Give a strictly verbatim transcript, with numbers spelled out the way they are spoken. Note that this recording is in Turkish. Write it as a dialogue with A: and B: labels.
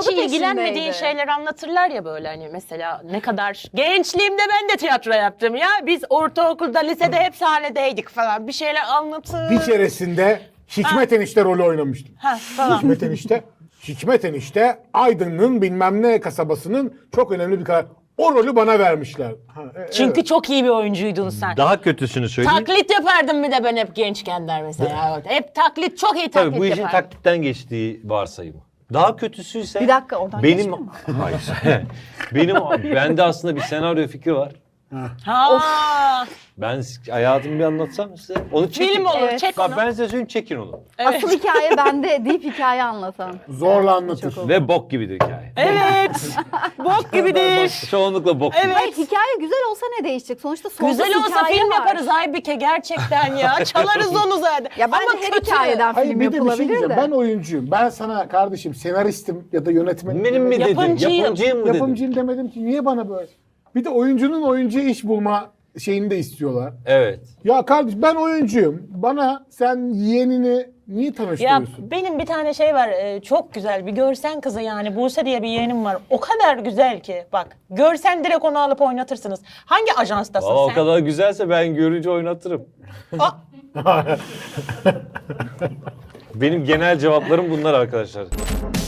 A: hiç
B: peşindeydi.
A: ilgilenmediğin şeyler anlatırlar ya böyle hani mesela ne kadar gençliğimde ben de tiyatro yaptım ya. Biz ortaokulda, lisede hep sahnedeydik falan. Bir şeyler anlatır.
C: Bir keresinde Hikmet Enişte rolü oynamıştım.
A: Ha falan.
C: Hikmet Enişte, Hikmet Enişte Aydın'ın bilmem ne kasabasının çok önemli bir karakter. O rolü bana vermişler. Ha, e,
A: Çünkü
C: evet.
A: çok iyi bir oyuncuydun sen.
D: Daha kötüsünü söyleyeyim.
A: Taklit yapardım bir de ben hep gençken der mesela. Hep taklit, çok iyi taklit
D: Tabii bu işin
A: yapardım.
D: taklitten geçtiği varsayımı. Daha kötüsüyse
B: Bir dakika, oradan
D: benim
B: geçmiyor mu?
D: hayır. benim bende aslında bir senaryo fikri var.
A: Ha.
D: Ben hayatımı bir anlatsam size. Onu çekin.
A: Film olur,
B: Evet.
A: çek
D: Bak
A: onu.
D: ben size söyleyeyim, çekin onu.
B: Asıl hikaye bende deyip hikaye anlatan.
C: Zorla anlatır.
B: Çok
D: Ve bok gibidir hikaye.
A: Evet. Bok gibidir.
D: Çoğunlukla bok
A: Evet.
D: gibi.
B: Hayır, hikaye güzel olsa ne değişecek? Sonuçta sonsuz
A: Güzel olsa
B: hikaye
A: film
B: var.
A: yaparız Aybike gerçekten ya. Çalarız onu zaten.
B: Ya bence
A: Ama
B: her
A: kötü.
B: hikayeden
C: Hayır
B: film
C: bir de bir şey
B: yapılabilir
C: diyeceğim.
B: de.
C: Ben oyuncuyum. Ben sana kardeşim senaristim ya da yönetmenim.
D: Benim mi dedim?
A: Yapımcıyım.
D: Yapımcıyım mı dedim?
C: Yapımcıyım demedim ki niye bana böyle? Bir de oyuncunun oyuncuya iş bulma şeyini de istiyorlar.
D: Evet.
C: Ya kardeş ben oyuncuyum. Bana sen yeğenini niye
A: Ya
C: tanıştırıyorsun?
A: benim bir tane şey var e, çok güzel bir görsen kızı yani Buse diye bir yeğenim var. O kadar güzel ki bak görsen direkt onu alıp oynatırsınız. Hangi ajanstasın
D: Valla o
A: sen?
D: kadar güzelse ben görünce oynatırım.
A: Aa,
D: Benim genel cevaplarım bunlar arkadaşlar.